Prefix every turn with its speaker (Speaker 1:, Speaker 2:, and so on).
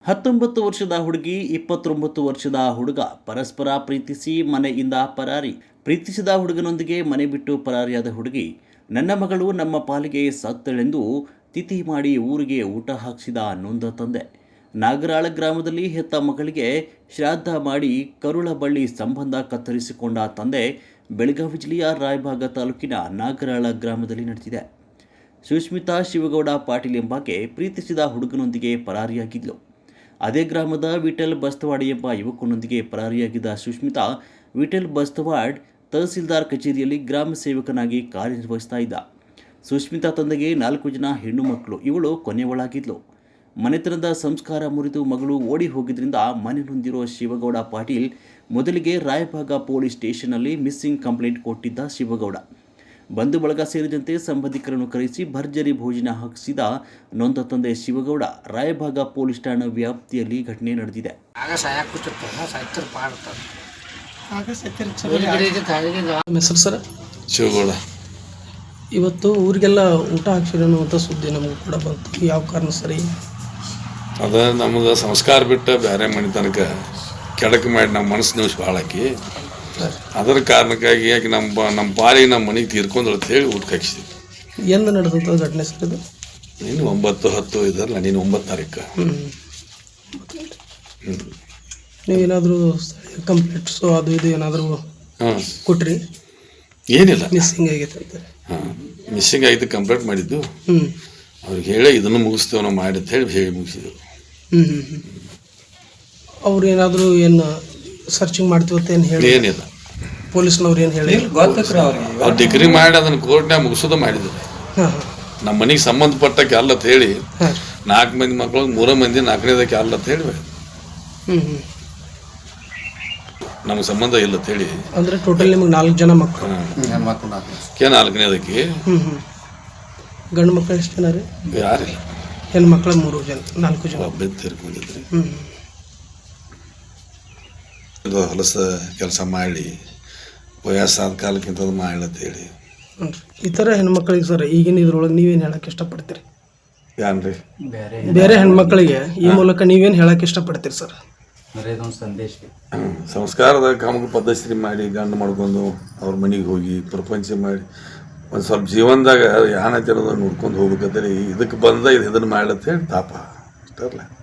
Speaker 1: 19 ವರ್ಷದ ಹುಡುಗಿ 29 ವರ್ಷದ ಹುಡುಗ ಪರಸ್ಪರ ಪ್ರೀತಿಸಿ ಮನೆಯಿಂದ ಪರಾರಿ. ಪ್ರೀತಿಸಿದ ಹುಡುಗನೊಂದಿಗೆ ಮನೆ ಬಿಟ್ಟು ಪರಾರಿಯಾದ ಹುಡುಗಿ, ನನ್ನ ಮಗಳು ನಮ್ಮ ಪಾಲಿಗೆ ಸತ್ತಳೆಂದು ತಿಥಿ ಮಾಡಿ ಊರಿಗೆ ಊಟ ಹಾಕಿಸಿದ ನೊಂದ ತಂದೆ. ನಾಗರಾಳ ಗ್ರಾಮದಲ್ಲಿ ಹೆತ್ತ ಮಗಳಿಗೆ ಶ್ರಾದ್ದ ಮಾಡಿ ಕರುಳಬಳ್ಳಿ ಸಂಬಂಧ ಕತ್ತರಿಸಿಕೊಂಡ ತಂದೆ ಬೆಳಗಾವಿ ಜಿಲ್ಲೆಯ ರಾಯಬಾಗ ತಾಲೂಕಿನ ನಾಗರಾಳ ಗ್ರಾಮದಲ್ಲಿ ನಡೆದಿದೆ. ಸುಷ್ಮಿತಾ ಶಿವಗೌಡ ಪಾಟೀಲ್ ಎಂಬಾಕೆ ಪ್ರೀತಿಸಿದ ಹುಡುಗನೊಂದಿಗೆ ಪರಾರಿಯಾಗಿದ್ಲು. ಅದೇ ಗ್ರಾಮದ ವಿಠಲ್ ಬಸ್ತವಾಡ್ ಎಂಬ ಯುವಕನೊಂದಿಗೆ ಪರಾರಿಯಾಗಿದ್ದ ಸುಷ್ಮಿತಾ ವಿಠಲ್ ಬಸ್ತವಾಡ್ ತಹಸೀಲ್ದಾರ್ ಕಚೇರಿಯಲ್ಲಿ ಗ್ರಾಮ ಸೇವಕನಾಗಿ ಕಾರ್ಯನಿರ್ವಹಿಸ್ತಾ ಇದ್ದ. ಸುಷ್ಮಿತಾ ತಂದೆಗೆ 4 ಜನ ಹೆಣ್ಣು ಮಕ್ಕಳು, ಇವಳು ಕೊನೆಯವಳಾಗಿದ್ಲು. ಮನೆತನದ ಸಂಸ್ಕಾರ ಮುರಿದು ಮಗಳು ಓಡಿ ಹೋಗಿದ್ರಿಂದ ಮನೆ ನೊಂದಿರೋ ಶಿವಗೌಡ ಪಾಟೀಲ್ ಮೊದಲಿಗೆ ರಾಯಬಾಗ ಪೊಲೀಸ್ ಸ್ಟೇಷನ್ನಲ್ಲಿ ಮಿಸ್ಸಿಂಗ್ ಕಂಪ್ಲೇಂಟ್ ಕೊಟ್ಟಿದ್ದ ಶಿವಗೌಡ, ಬಂಧು ಬಳಗ ಸೇರಿದಂತೆ ಸಂಬಂಧಿಕರನ್ನು ಕರೆಸಿ ಭರ್ಜರಿ ಭೋಜನ ಹಾಕಿಸಿದ ನೊಂದ ತಂದೆ ಶಿವಗೌಡ ರಾಯಬಾಗ ಪೊಲೀಸ್ ಠಾಣಾ ವ್ಯಾಪ್ತಿಯಲ್ಲಿ ಘಟನೆ ನಡೆದಿದೆ.
Speaker 2: ಶಿವಗೌಡ
Speaker 3: ಇವತ್ತು ಊರಿಗೆಲ್ಲ ಊಟ ಹಾಕ್ಸಿರೋ ಅನ್ನುವಂಥ ಸುದ್ದಿ ನಮಗೂ ಕೂಡ ಬಂತು. ಯಾವ ಕಾರಣ ಸರಿ?
Speaker 2: ಅದ ನಮಗೆ ಸಂಸ್ಕಾರ ಬಿಟ್ಟು ಬೇರೆ ಮನೆ ತನಕ ಕೆಡಕು ಮಾಡಿ ನಮ್ಮ ಮನಸ್ಸು ನಿಮಿಷ ಭಾಳ ಹಾಕಿ ಅದರ ಕಾರಣಕ್ಕಾಗಿ ಯಾಕೆ ನಮ್ಮ ಪಾಲಿಗೆ ನಮ್ಮ ಮನೆಗೆ ತೀರ್ಕೊಂಡ್ರು ಅಂತ ಹೇಳಿ ಊಟ ಹಾಕಿಸಿದ್ವಿ.
Speaker 3: ಎಂದು ನಡೆದಂಥ ಘಟನೆ ಸರ್ ಇದು?
Speaker 2: ನೀನು 9/10 ಇದರಲ್ಲ, ನೀನು 9 ತಾರೀಕು.
Speaker 3: ನೀವೇನಾದರೂ ಕಂಪ್ಲೇಂಟ್ಸು ಅದು ಇದು ಏನಾದರೂ ಕೊಟ್ರಿ?
Speaker 2: ಏನಿಲ್ಲ,
Speaker 3: ಮಿಸ್ಸಿಂಗ್ ಆಗೈತೆ ಅಂತ.
Speaker 2: ಮಿಸ್ಸಿಂಗ್ ಆಗಿದ್ದು ಕಂಪ್ಲೇಂಟ್ ಮಾಡಿದ್ದು. ಅವ್ರಿಗೆ ಹೇಳಿ ಇದನ್ನು ಮುಗಿಸ್ತೇವೆ ನಾವು ಮಾಡಿ ಅಂತ ಹೇಳಿ ಮುಗಿಸಿದ್ರು.
Speaker 3: ಅವ್ರು ಏನಾದರೂ ಏನು ಸರ್ಚಿಂಗ್ ಮಾಡ್ತೀವತ್ತ ಏನು ಹೇಳಿ?
Speaker 2: ಏನಿಲ್ಲ,
Speaker 3: ಪೊಲೀಸ್ನವ್ರು ಏನು ಹೇಳಿ
Speaker 2: ಅವ್ರು ಡಿಗ್ರಿ ಮಾಡಿ ಅದನ್ನು ಕೋರ್ಟ್ನಾಗ ಮುಗಿಸೋದು ಮಾಡಿದ್ರು. ನಮ್ಮ ಮನೆಗೆ ಸಂಬಂಧಪಟ್ಟಕ್ಕೆ ಅಲ್ಲ ಅಂತ ಹೇಳಿ 4 ಮಂದಿ ಮಕ್ಕಳು 3 ಮಂದಿ 4ನೇದಕ್ಕೆ ಅಲ್ಲ ಅಂತ ಹೇಳಿ ನಮ್ಗೆ ಸಂಬಂಧ ಇಲ್ಲ ಅಂತ ಹೇಳಿ.
Speaker 3: ಅಂದರೆ ಟೋಟಲ್ ನಿಮಗೆ 4 ಜನ ಮಕ್ಕಳು?
Speaker 2: 4ನೇದಕ್ಕೆ.
Speaker 3: ಗಂಡು ಮಕ್ಕಳು ಎಷ್ಟು ಜನ ರೀ?
Speaker 2: ಯಾರಿಲ್ಲ,
Speaker 3: ಹೆಣ್ಣು ಮಕ್ಕಳು 3 ಜನ, 4 ಜನ
Speaker 2: ಒಬ್ಬ ತೀರ್ಕೊಂಡಿದ್ರಿ. ಹೊಲಸ ಕೆಲಸ ಮಾಡಿ ವಯಸ್ಸಾದ ಕಾಲಕ್ಕಿಂತ ಮಾಡಲತ್ತ ಹೇಳಿ.
Speaker 3: ಈ ಥರ ಹೆಣ್ಮಕ್ಳಿಗೆ ಸರ್ ಈಗಿನ ಇದ್ರೊಳಗೆ ನೀವೇನು ಹೇಳಕ್ಕೆ ಇಷ್ಟಪಡ್ತೀರಿ?
Speaker 2: ಯಾನ್ರಿ
Speaker 3: ಬೇರೆ ಹೆಣ್ಮಕ್ಳಿಗೆ ಈ ಮೂಲಕ ನೀವೇನು ಹೇಳಕ್ಕೆ ಇಷ್ಟಪಡ್ತೀರಿ ಸರ್?
Speaker 2: ಸಂಸ್ಕಾರದ ಕಾಮಕ ಪದ್ಧತಿ ಮಾಡಿ ಗಂಡು ಮಾಡ್ಕೊಂಡು ಅವ್ರ ಮನೆಗೆ ಹೋಗಿ ಪ್ರಪಂಚ ಮಾಡಿ ಒಂದು ಸ್ವಲ್ಪ ಜೀವನದಾಗ ಯಾನತಿರೋದನ್ನು ನೋಡ್ಕೊಂಡು ಹೋಗ್ಬೇಕಂತೇಳಿ ಇದಕ್ಕೆ ಬಂದ ಇದನ್ನು ಮಾಡ್ಲತ್ತ ಹೇಳಿ ತಾಪ ಇಷ್ಟಲ್ಲ.